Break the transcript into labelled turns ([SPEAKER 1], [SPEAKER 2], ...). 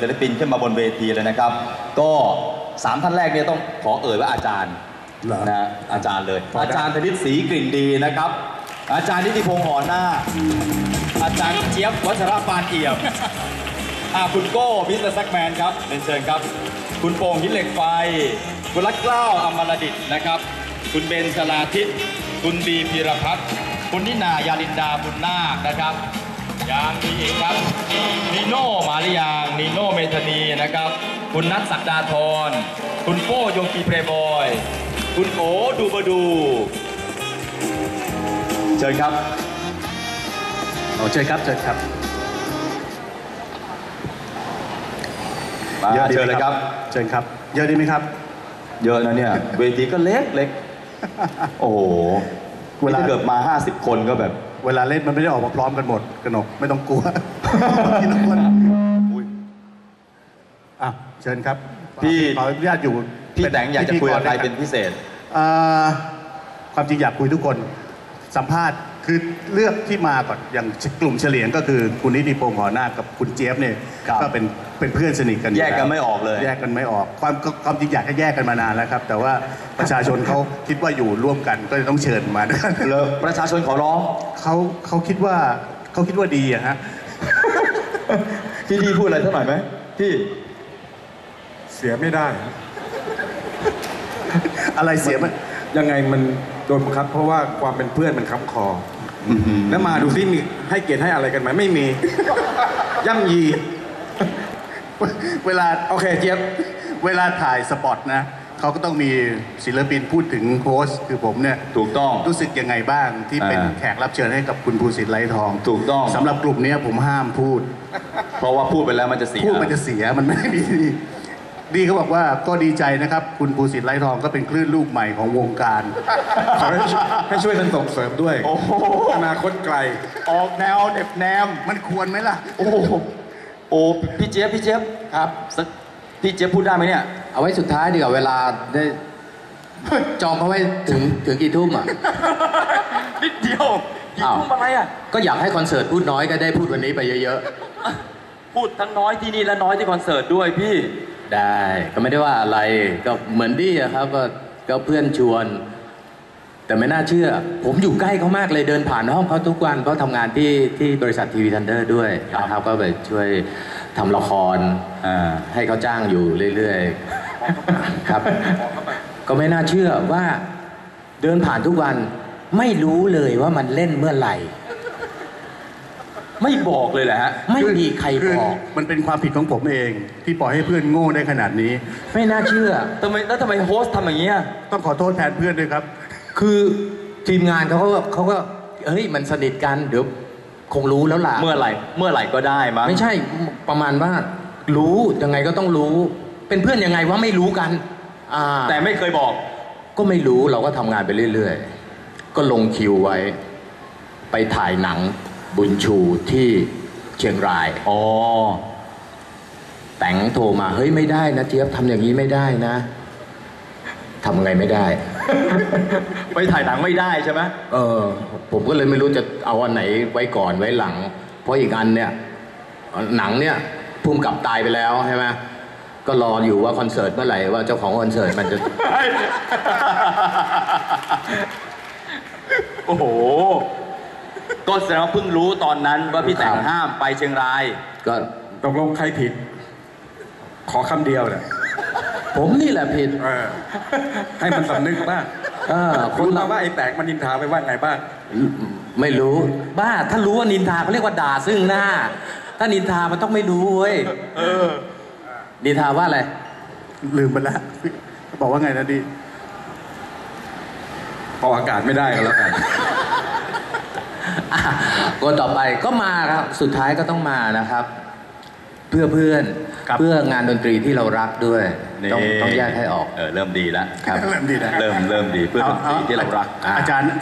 [SPEAKER 1] ศิลปินขึ้นมาบนเวทีเลยนะครับก็3ท่านแรกเนี่ยต้องขอเอ่ยว่าอาจารย์นะอาจารย์เลยอาจารย์ธนิตศรีกลิ่นดีนะครับอาจารย์นิติพงษ์หอหน้าอาจารย์เจี๊ยบวัชรปานเอี่ยมคุณโก้มิสเตอร์แซกแมนครับเรียนเชิญครับคุณโป่งหินเหล็กไฟคุณรักเกล้าอมรดิษฐ์นะครับคุณเบนชลาทิศคุณบีพีรพัฒน์คุณนินายาลินดาบุญนาคนะครับยังมีอีกครับนีโน่มาริยางนีโน่เมธานีนะครับคุณนัทศักดาธรคุณโป้โยกีเพลย์บอยคุณโอดูบดูเชิญครับ
[SPEAKER 2] เชิญครับเชิญครับ
[SPEAKER 1] เยอะเชิญเลยครับ
[SPEAKER 2] เชิญครับเยอะดีไหมครับ
[SPEAKER 1] เยอะนะเนี่ยเวทีก็เล็กเล็กโอ้โหเวลาเกิดมา50คนก็แบบ
[SPEAKER 2] เวลาเล่นมันไม่ได้ออกมาพร้อมกันหมดกนกไม่ต้องกลัวทีละคนเชิญครับ
[SPEAKER 1] พี่
[SPEAKER 2] ขออนุญาตอยู่
[SPEAKER 1] พี่แตงอยากจะคุยกับใครเป็นพิเศษ
[SPEAKER 2] ความจริงอยากคุยทุกคนสัมภาษณ์คือเลือกที่มาก่อนอย่างกลุ่มเฉลียงก็คือคุณนิติพงษ์หอหน้ากับคุณเจี๊ยบเนี่ยก็เป็นเพื่อนสนิทกัน
[SPEAKER 1] แยกกันไม่ออกเลย
[SPEAKER 2] แยกกันไม่ออกความจริงอยากให้แยกกันมานานแล้วครับแต่ว่าประชาชนเขาคิดว่าอยู่ร่วมกันก็จะต้องเชิญมา
[SPEAKER 1] เลยประชาชนขอร้อง
[SPEAKER 2] เขาคิดว่าดีอะฮะ
[SPEAKER 1] พี่ดีพูดอะไรเท่าไหร่ไหมพี่
[SPEAKER 3] เสียไม่ได้
[SPEAKER 2] อะไรเสียมัน
[SPEAKER 3] ยังไงมันโดนบังคับเพราะว่าความเป็นเพื่อนมันค้ำคอแล้วมาดูซิมีให้เกียรติให้อะไรกันไหมไม่มีย่ำยี
[SPEAKER 2] เวลา
[SPEAKER 3] โอเคเจี๊ยบ
[SPEAKER 2] เวลาถ่ายสปอตนะเขาก็ต้องมีศิลปินพูดถึงโค้ชคือผมเนี่ย
[SPEAKER 1] ถูกต้อง
[SPEAKER 2] รู้สึกยังไงบ้างที่เป็นแขกรับเชิญให้กับคุณภูสิทธิ์ไร้ทอง
[SPEAKER 1] ถูกต้อง
[SPEAKER 2] สำหรับกลุ่มนี้ผมห้ามพูด
[SPEAKER 1] เพราะว่าพูดไปแล้วมันจะเสีย
[SPEAKER 2] มันไม่ดีดีเขาบอกว่าก็ดีใจนะครับคุณภูสิทธิ์ไร้ทองก็เป็นคลื่นลูกใหม่ของวงการ
[SPEAKER 3] ให้ช่วยกันส่งเสริมด้วยอนาคตไกล
[SPEAKER 2] ออกแนวเด็บแนมมันควรไหมล่ะ
[SPEAKER 1] โอ้พี่เจี๊ยบ
[SPEAKER 2] ครับ
[SPEAKER 1] พี่เจี๊ยบพูดได้ไหมเนี่ย
[SPEAKER 4] เอาไว้สุดท้ายดีกว่าเวลาได้จองเขาไว้ถึงกี่ทุ่มอ่ะ
[SPEAKER 1] นิดเดียวกี่ทุ่มอะไรอ่ะ
[SPEAKER 4] ก็อยากให้คอนเสิร์ตพูดน้อยก็ได้พูดวันนี้ไปเยอะ
[SPEAKER 1] ๆพูดทั้งน้อยที่นี่และน้อยที่คอนเสิร์ตด้วยพี่
[SPEAKER 4] ได้ก็ไม่ได้ว่าอะไรก็เหมือนดี้อะครับก็เพื่อนชวนแต่ไม่น่าเชื่อผมอยู่ใกล้เขามากเลยเดินผ่านห้องเขาทุกวันเพราะทำงานที่บริษัททีวีทันเดอร์ด้วยนะครับก็ไปช่วยทำละครให้เขาจ้างอยู่เรื่อยๆครับก็ไม่น่าเชื่อว่าเดินผ่านทุกวันไม่รู้เลยว่ามันเล่นเมื่อไหร่
[SPEAKER 1] ไม่บอกเลยแหละฮะ
[SPEAKER 4] ไม่มีใครบอก
[SPEAKER 2] มันเป็นความผิดของผมเองที่ปล่อยให้เพื่อนโง่ได้ขนาดนี้
[SPEAKER 4] ไม่น่าเชื่อ
[SPEAKER 1] ทำไมโฮสต์ทำอย่างเงี้ย
[SPEAKER 2] ต้องขอโทษแทนเพื่อนด้วยครับ
[SPEAKER 4] คือทีมงานเขาก็เฮ้ยมันสนิทกันเดี๋ยวคงรู้แล้วล่ะ
[SPEAKER 1] เมื่อไหร่ก็ได้มั้ง
[SPEAKER 4] ไม่ใช่ประมาณว่ารู้ยังไงก็ต้องรู้เป็นเพื่อนยังไงว่าไม่รู้กัน
[SPEAKER 1] แต่ไม่เคยบอก
[SPEAKER 4] ก็ไม่รู้เราก็ทำงานไปเรื่อยๆก็ลงคิวไว้ไปถ่ายหนังบุญชูที่เชียงรายแต่งโทรมาเฮ้ยไม่ได้นะเจี๊ยบทำอย่างนี้ไม่ได้นะทำไงไม่ได้
[SPEAKER 1] ไปถ่ายหนังไม่ได้ใช่ไหม
[SPEAKER 4] ผมก็เลยไม่รู้จะเอาอันไหนไว้ก่อนไว้หลังเพราะอีกอันเนี่ยหนังเนี่ยภูมิกับตายไปแล้วใช่ไหมก็รออยู่ว่าคอนเสิร์ตเมื่อไหร่ว่าเจ้าของคอนเสิร์ตมันจะ
[SPEAKER 1] โอ้โหก็แสดงว่าเพิ่งรู้ตอนนั้นว่าพี่แต่งห้ามไปเชียงราย
[SPEAKER 4] ก็
[SPEAKER 3] ตกลงใครผิดขอคำเดียวเนี่ย
[SPEAKER 4] ผมนี่แหละผิด
[SPEAKER 3] ให้มันสำนึกบ้างคุณมาว่าไอ้แตกมันนินทาไปว่าไงบ้าง
[SPEAKER 4] ไม่รู้บ้าถ้ารู้ว่านินทาเขาเรียกว่าด่าซึ่งหน้าถ้านินทามันต้องไม่รู้เว้ยนินทาว่าอะไร
[SPEAKER 2] ลืมไปแล้วบอกว่าไงนะดิ
[SPEAKER 3] พออากาศไม่ได้ก็แล้วกัน
[SPEAKER 4] คนต่อไปก็มาครับสุดท้ายก็ต้องมานะครับเพื่อเพื่อนเพื่องานดนตรีที่เรารักด้วยต้องแยกให้ออก
[SPEAKER 1] เริ่มดีแล้ว
[SPEAKER 2] ครับเริ่มดีแล้ว
[SPEAKER 1] เริ่มดีเพื่อดนตรีที่เรารัก
[SPEAKER 2] อาจารย์